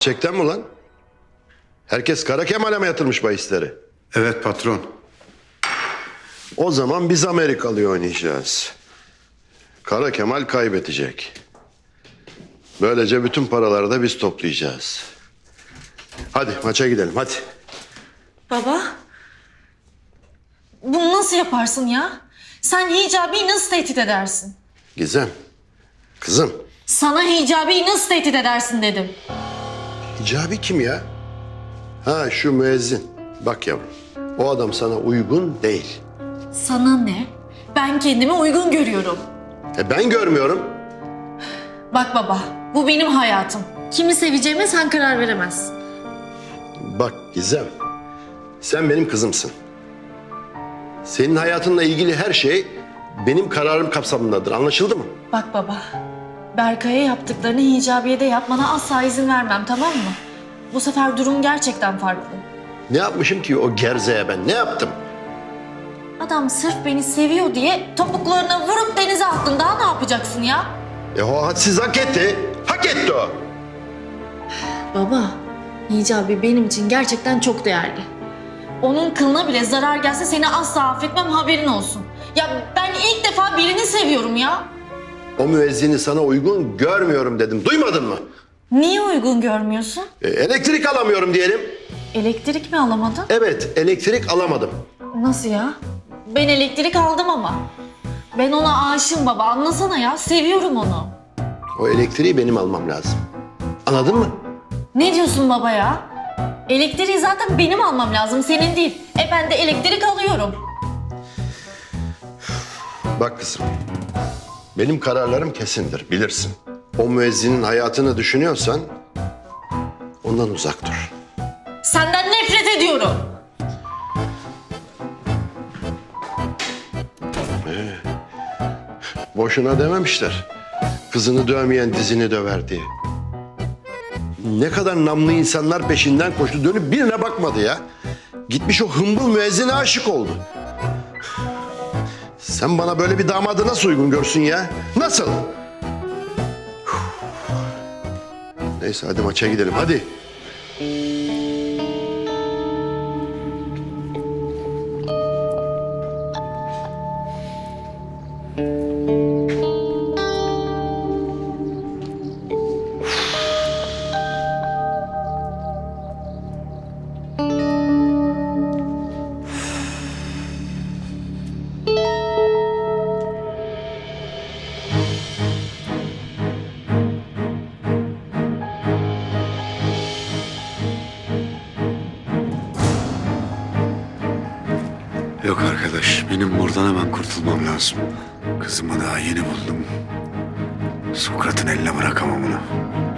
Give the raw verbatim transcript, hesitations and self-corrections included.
Gerçekten mi lan? Herkes Kara Kemal'e mi yatırmış bahisleri? Evet patron. O zaman biz Amerikalı'yı oynayacağız. Kara Kemal kaybedecek. Böylece bütün paraları da biz toplayacağız. Hadi maça gidelim hadi. Baba, bunu nasıl yaparsın ya? Sen Hicabi'yi nasıl tehdit edersin? Gizem, kızım. Sana Hicabi'yi nasıl tehdit edersin dedim. Hicabi kim ya? Ha şu müezzin. Bak yavrum, o adam sana uygun değil. Sana ne? Ben kendimi uygun görüyorum. E ben görmüyorum. Bak baba, bu benim hayatım. Kimi seveceğime sen karar veremezsin. Bak Gizem, sen benim kızımsın. Senin hayatınla ilgili her şey benim kararım kapsamındadır. Anlaşıldı mı? Bak baba, Berkay'a yaptıklarını Hicabi'ye de yapmana asla izin vermem, tamam mı? Bu sefer durum gerçekten farklı. Ne yapmışım ki o gerzeye ben? Ne yaptım? Adam sırf beni seviyor diye topuklarına vurup denize attın. Daha ne yapacaksın ya? E o hadsiz hak etti. Hak etti o. Baba, Hicabi benim için gerçekten çok değerli. Onun kılına bile zarar gelse seni asla affetmem, haberin olsun. Ya ben ilk defa birini seviyorum ya. O müezzini sana uygun görmüyorum dedim. Duymadın mı? Niye uygun görmüyorsun? E, elektrik alamıyorum diyelim. Elektrik mi alamadın? Evet, elektrik alamadım. Nasıl ya? Ben elektrik aldım ama. Ben ona aşığım baba, anlasana ya. Seviyorum onu. O elektriği benim almam lazım. Anladın mı? Ne diyorsun baba ya? Elektriği zaten benim almam lazım, senin değil. E ben de elektrik alıyorum. Bak kızım, benim kararlarım kesindir, bilirsin. O müezzinin hayatını düşünüyorsan ondan uzak dur. Senden nefret ediyorum. Boşuna dememişler. Kızını dövmeyen dizini döver diye. Ne kadar namlı insanlar peşinden koştu, dönüp birine bakmadı ya. Gitmiş o hımbıl müezzine aşık oldu. Sen bana böyle bir damadı nasıl uygun görsün ya? Nasıl? Neyse hadi maça gidelim hadi. Yok arkadaş, benim buradan hemen kurtulmam lazım. Kızımı daha yeni buldum. Sokrat'ın eline bırakamam onu.